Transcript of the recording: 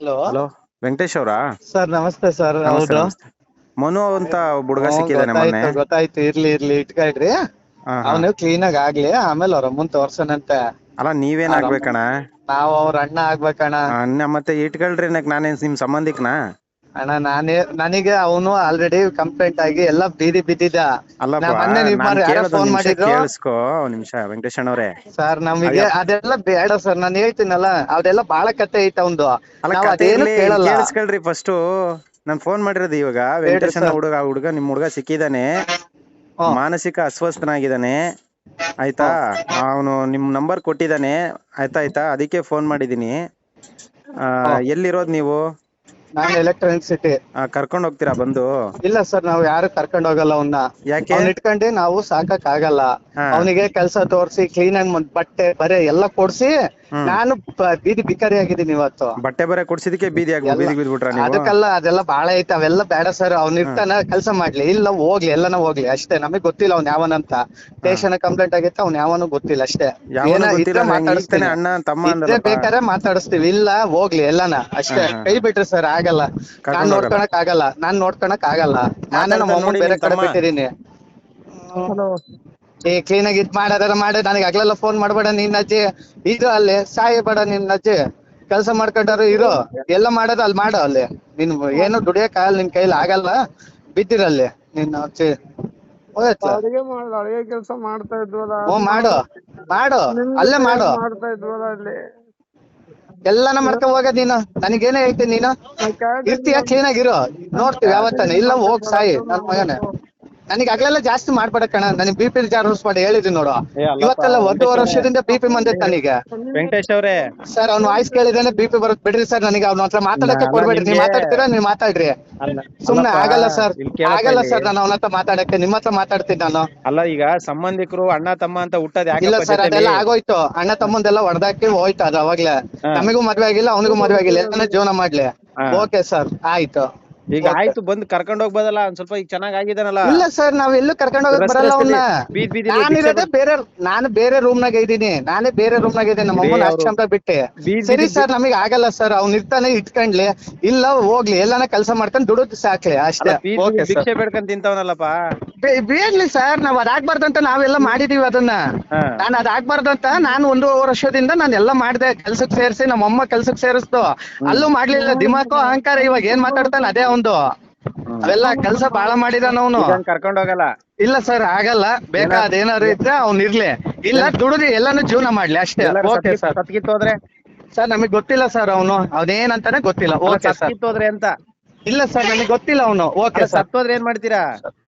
Hello. Hello, Venkatesh ಅವರಾ? Sir ನಮಸ್ತೆ sir. ನಮಸ್ತೆ ಹೌದು. ನಮಸ್ತೆ. ಮನು ಅಂತ ಒಬ್ಬ ಹುಡುಗ ಸಿಕ್ಕಿದಾನೆ ಮೊನ್ನೆ. ಗೊತ್ತಾಯ್ತು ಇರ್ಲಿ ಇಟ್ಕೊಳ್ರಿ. ಹಾ ಹಾ. ಅವನು ಕ್ಲೀನ್ ಆಗಿ ಆಗ್ಲಿ, ಆಮೇಲೆ ಅವ್ರ ಅಮ್ಮನ್ ತೋರ್ಸನಂತೆ. ಅಲ್ಲ ನೀವೇನ್ ಆಗ್ಬೇಕಣ? ನಾವ್ ಅವ್ರ ಅಣ್ಣ ಆಗ್ಬೇಕಣ್ಣ. ಅಣ್ಣ ಮತ್ತೆ ಇಟ್ಕೊಳ್ರಿ, ನಾನೇನ್ ನಿಮ್ ಸಂಬಂಧಿಕನಾ? ಅಣ್ಣ ನನಗೆ ಅವನು ಆಲ್ರೆಡಿ ಕಂಪ್ಲೇಂಟ್ ಆಗಿ ಎಲ್ಲ ಬೀದಿ ಬಿದ್ದಿದ್ದ. ಅಲ್ಲಪ್ಪ, ಮೊನ್ನೆ ನಾನ್ ಯಾರೋ ಕೇಳೋದು ಫೋನ್ ನಿಮಿಷ ಮಾಡಿದ್ರು. ಕೇಳಿಸ್ಕೊ ನಿಮಿಷ ವೆಂಕಟೇಶ್ ಅಣ್ಣವ್ರೆ. ಸರ್ ನಮಗೆ ಅದೆಲ್ಲ ಬೇಡ ಸರ್, ನಾನು ಹೇಳ್ತೀನಲ್ಲ ಅದೆಲ್ಲ ಬಾಳ ಕತೆ ಐತೆ ಅವಂದು. ಅಲ್ಲ ನಾವ್ ಕತೆ ಅದೇನು ಇರ್ಲಿ, ಕೇಳಲ್ಲ. ಕೇಳಿಸ್ಕೊಳ್ರಿ ಫಸ್ಟ್. ನಾನ್ ಫೋನ್ ಮಾಡಿರೋದು ಇವಾಗ. ವೆಂಕಟೇಶ್ ಅಣ್ಣ ಹುಡುಗ ನಿಮ್ ಹುಡುಗ ಸಿಕ್ಕಿದಾನೆ, ಮಾನಸಿಕ ಅಸ್ವಸ್ಥನಾಗಿದ್ದಾನೆ ಆಯ್ತಾ. ಅವನು ನಿಮ್ ನಂಬರ್ ಕೊಟ್ಟಿದ್ದಾನೆ ಆಯ್ತಾ. ಅದಕ್ಕೆ ಫೋನ್ ಮಾಡಿದೀನಿ. ಎಲ್ಲಿರೋದ್ ನೀವು? ನಾನು ಎಲೆಕ್ಟ್ರಾನಿಕ್ ಸಿಟಿ. ಕರ್ಕೊಂಡ್ ಹೋಗ್ತೀರಾ ಬಂದು? ಇಲ್ಲ ಸರ್, ನಾವು ಯಾರು ಕರ್ಕೊಂಡ್ ಹೋಗಲ್ಲ ಅವನ್ನ. ಯಾಕೆ? ಅವ್ನ ಇಟ್ಕೊಂಡು ನಾವು ಸಾಕಕ್ ಆಗಲ್ಲ. ಅವನಿಗೆ ಕೆಲಸ ತೋರ್ಸಿ, ಕ್ಲೀನ್ ಆಗಿ ಬಟ್ಟೆ ಬರೆ ಎಲ್ಲ ಕೊಡ್ಸಿ ನಾನು ಬೀದಿ ಬಿಕಾರಿ ಆಗಿದ್ದೀನಿ ಇವತ್ತು. ಬಟ್ಟೆ ಬರೆ ಕೊಡ್ಸಿದಕ್ಕೆ ಬೀದಿಗೆ ಬಿದ್ಬಿಟ್ರ ನೀವು? ಅದಕ್ಕೆಲ್ಲ ಅದೆಲ್ಲ ಬಾಳ ಐತೆ, ಅವೆಲ್ಲ ಬೇಡ ಸರ್. ಅವ್ನ ಇರ್ತಾನ, ಕೆಲಸ ಮಾಡ್ಲಿ, ಇಲ್ಲ ಹೋಗ್ಲಿ, ಎಲ್ಲಾನ ಹೋಗ್ಲಿ ಅಷ್ಟೇ. ನಮಗ್ ಗೊತ್ತಿಲ್ಲ ಅವ್ನ ಯಾವನಂತ. ಸ್ಟೇಷನ್ ಕಂಪ್ಲೇಂಟ್ ಆಗೈತೆ, ಅವ್ನ ಯಾವನು ಗೊತ್ತಿಲ್ಲ ಅಷ್ಟೇ. ಇದ್ರೆ ಮಾತಾಡಿಸ್ತೀನಿ, ಅಣ್ಣ ತಮ್ಮ ಇದ್ರೆ ಬೇಕಾದ್ರೆ ಮಾತಾಡಿಸ್ತೀವಿ, ಇಲ್ಲ ಹೋಗ್ಲಿ ಎಲ್ಲಾನ ಅಷ್ಟೇ. ಕೈ ಬಿಟ್ರಿ ಸರ್, ಆಗಲ್ಲ. ನಾನ್ ನೋಡ್ಕೊಳಕ್ ಆಗಲ್ಲ. ನಾನೇ ನಮ್ಮ ಅಮ್ಮನ್ ಬೇರೆ ಕಡೆ ಬಿಟ್ಟಿದೀನಿ. ಕ್ಲೀನ್ ಆಗಿ ಇದ್ ಮಾಡಾರ ಮಾಡಿ, ನನಗೆ ಆಗ್ಲೆಲ್ಲ ಫೋನ್ ಮಾಡ್ಬೇಡ ನಿನ್ನ ಅಜ್ಜಿ. ಇದು ಅಲ್ಲಿ ಸಾಯಬೇಡ ನಿನ್ನ ಅಜ್ಜಿ, ಕೆಲಸ ಮಾಡ್ಕೊಂಡಾರು ಇರೋ, ಎಲ್ಲ ಮಾಡೋದು ಅಲ್ಲಿ ಮಾಡೋ. ಅಲ್ಲಿ ನೀನ್ ಏನು ದುಡಿಯಕ್ ಆಗಲ್ಲ, ನಿನ್ ಕೈಲಿ ಆಗಲ್ಲ, ಬಿದ್ದಿರಲ್ಲಿ ನಿನ್ನ ಅಜ್ಜಿ. ಅಡಿಗೆ ಕೆಲಸ ಮಾಡ್ತಾ ಇದ್ವಲ್ಲ, ಮಾಡು ಅಲ್ಲೇ ಮಾಡು. ಮಾಡ್ತಾ ಇದ್ವಲ್ಲ ಅಲ್ಲಿ ಎಲ್ಲಾನ ಮಾಡ್ಕೊಂಡ್ ಹೋಗೋದ್ ನೀನು. ನನಗೇನೇ ಹೇಳ್ತೀನಿ, ನೀನು ಇರ್ತೀಯ ಕ್ಲೀನ್ ಆಗಿರೋ, ನೋಡ್ತೀವಿ ಯಾವತ್ತಾನೆ. ಇಲ್ಲ ಹೋಗ್ ಸಾಯಿ ನನ್ ಮಗನೇ. ನನಗೆ ಆಗ್ಲೆಲ್ಲ ಜಾಸ್ತಿ ಮಾಡ್ಬೇಡ ಕಣ. ನನಗೆ BP ಜಾರೂಸ್ ಮಾಡಿ ಹೇಳಿದೀನಿ ನೋಡು. ಇವತ್ತೆಲ್ಲ 1.5 ವರ್ಷದಿಂದ BP ಬಂದೈತೆ ನನಗೆ. ವೆಂಕಟೇಶ್ ಅವ್ರೆ, ಸರ್ ಅವ್ನ ವಾಯ್ಸ್ ಕೇಳಿದೇನೆ BP ಬರುತ್ತೆ. ಬಿಡ್ರಿ ಸರ್, ನನಗೆ ಅವ್ನ ಹತ್ರ ಮಾತಾಡಕ್ಕೆ ಕೊಡ್ಬೇಡ್ರಿ. ನೀವ್ ಮಾತಾಡ್ತೀರಾ, ನೀವ್ ಮಾತಾಡ್ರಿ. ಸುಮ್ನೆ ಆಗಲ್ಲ ಸರ್, ನಾನು ಅವನ ಹತ್ರ ಮಾತಾಡಕ್ಕೆ. ನಿಮ್ಮ ಹತ್ರ ಮಾತಾಡ್ತೀನಿ ನಾನು. ಅಲ್ಲ ಈಗ ಸಂಬಂಧಿಕರು ಅಣ್ಣ ತಮ್ಮ ಅಂತ ಹುಟ್ಟದ್ ಇಲ್ಲ ಸರ್, ಅದೆಲ್ಲ ಆಗೋಯ್ತು. ಅಣ್ಣ ತಮ್ಮಂದೆಲ್ಲ ಹೊಡೆದಾಕಿ ಹೋಯ್ತು ಅದು ಅವಾಗ್ಲೇ. ನಮಗೂ ಮದ್ವೆ ಆಗಿಲ್ಲ, ಅವನಿಗೂ ಮದ್ವೆ ಆಗಿಲ್ಲ, ಎಲ್ಲಾನು ಜೀವನ ಮಾಡ್ಲಿ. ಓಕೆ ಸರ್, ಆಯ್ತು. ಈಗ ಆಯ್ತು, ಬಂದು ಕರ್ಕೊಂಡ್ ಹೋಗ್ಬೋದಲ್ಲ ಒಂದ್ ಸ್ವಲ್ಪ. ಈಗ ಚೆನ್ನಾಗ್ ಆಗಿದಾನಲ್ಲ. ಇಲ್ಲ ಸರ್, ನಾವ್ ಎಲ್ಲೂ ಕರ್ಕೊಂಡ್ ಹೋಗಕ್ ಬರಲ್ಲ ಅವನ್ನ. ನಾನು ಬೇರೆ ರೂಮ್ ನಾಗ ಇದ್ದೀನಿ. ನಮ್ಮ ಅಮ್ಮನ ಆಶ್ರಮ ಬಿಟ್ಟೆ. ಸರಿ ಸರ್, ನಮಗ್ ಆಗಲ್ಲ ಸರ್. ಅವ್ನ ಇರ್ತಾನೆ, ಇಟ್ಕೊಂಡ್ಲಿ, ಇಲ್ಲ ಹೋಗ್ಲಿ, ಎಲ್ಲಾನ ಕೆಲಸ ಮಾಡ್ಕೊಂಡ್ ದುಡುದ್ ಸಾಕ್ಲಿ ಅಷ್ಟೇ. ಭಿಕ್ಷೆ ಬೇಡ್ಕೊಂಡ್ ತಿಂತವನಲ್ಲಪ್ಪ. ಬೇಡ್ಲಿ ಸರ್, ನಾವ್ ಅದಾಗ್ಬಾರ್ದಂತ ನಾವೆಲ್ಲ ಮಾಡಿದೀವಿ ಅದನ್ನ. ನಾನು ಅದಾಗ್ಬಾರ್ದಂತ ನಾನು 1.5 ವರ್ಷದಿಂದ ನಾನು ಎಲ್ಲ ಮಾಡ್ದೆ. ಕೆಲ್ಸಕ್ ಸೇರಿಸಿ, ನಮ್ಮಮ್ಮ ಕೆಲ್ಸಕ್ ಸೇರಿಸ್ತು, ಅಲ್ಲೂ ಮಾಡ್ಲಿಲ್ಲ. ದಿಮಾಕು ಅಹಂಕಾರ, ಇವಾಗ ಏನ್ ಮಾತಾಡ್ತಾನೆ ಅದೇ ಒಂದು. ಅವೆಲ್ಲ ಕೆಲ್ಸ ಬಾಳ ಮಾಡಿದಾನ ಅವನು. ಕರ್ಕೊಂಡ್ ಹೋಗಲ್ಲ. ಇಲ್ಲ ಸರ್, ಆಗಲ್ಲ. ಬೇಕಾದೇನಾದ್ರು ಇದ್ರೆ ಅವ್ನ್ ಇರ್ಲಿ, ಇಲ್ಲ ದುಡಿದು ಎಲ್ಲಾನು ಜೀವನ ಮಾಡ್ಲಿ ಅಷ್ಟೇ. Okay sir. ಸತ್ಕಿತ್ತೋದ್ರೆ ಸರ್ ನಮಗ್ ಗೊತ್ತಿಲ್ಲ ಸರ್, ಅವನೇನಂತಾನೆ ಗೊತ್ತಿಲ್ಲ. Okay sir. ಸತ್ಕಿತ್ತೋದ್ರೆ ಅಂತ? ಇಲ್ಲ ಸರ್, ನನಗೆ ಗೊತ್ತಿಲ್ಲ ಅವನು. Okay sir. ಸತ್ತೋದ್ರೆ ಏನ್ ಮಾಡ್ತೀರಾ?